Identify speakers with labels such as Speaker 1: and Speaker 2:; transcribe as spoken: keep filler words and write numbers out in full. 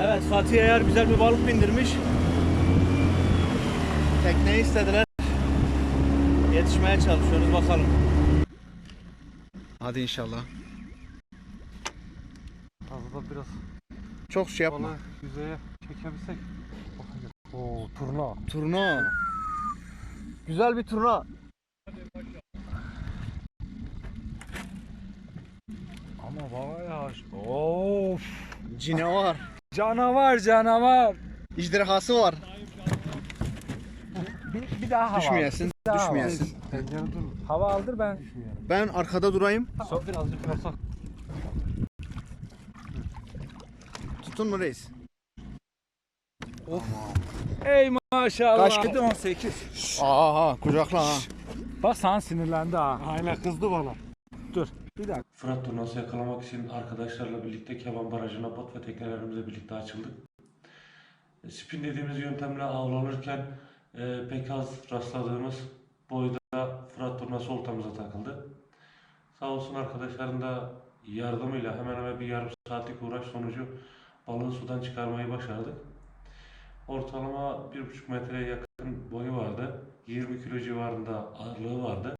Speaker 1: Evet, Fatih eğer güzel bir balık bindirmiş. Tekneyi istediler. Yetişmeye çalışıyoruz, bakalım. Hadi inşallah.
Speaker 2: Fazla biraz
Speaker 1: Çok şey yapma.
Speaker 2: balığı yüzeye çekebilsek. Oo, turna.
Speaker 1: Turna. Güzel bir turna.
Speaker 2: Ama baba ya. Of.
Speaker 1: Canavar.
Speaker 2: Canavar canavar.
Speaker 1: İcderhası var.
Speaker 2: Bir, bir daha hava
Speaker 1: Düşmeyesin,
Speaker 2: aldır. Bir daha hava
Speaker 1: düşmeyesin.
Speaker 2: aldır. Pencere dur. Hava aldır ben.
Speaker 1: Ben arkada durayım.
Speaker 2: So, birazcık yasak.
Speaker 1: Tutun mu reis?
Speaker 2: Of. Ey maşallah.
Speaker 1: Kaç kilo?
Speaker 2: on sekiz.
Speaker 1: Aha, kucakla ha.
Speaker 2: Bak sen sinirlendi ha. Aynen kızdı bana. Dur. Bir dakika.
Speaker 3: Fırat turnası yakalamak için arkadaşlarla birlikte Keban Barajı'na bot ve teknelerimizle birlikte açıldık. E, Spin dediğimiz yöntemle avlanırken e, pek az rastladığımız boyda Fırat turnası oltamıza takıldı. Sağ olsun arkadaşların da yardımıyla hemen hemen bir yarım saatlik uğraş sonucu balığı sudan çıkarmayı başardık. Ortalama bir buçuk metreye yakın boyu vardı. yirmi kilo civarında ağırlığı vardı.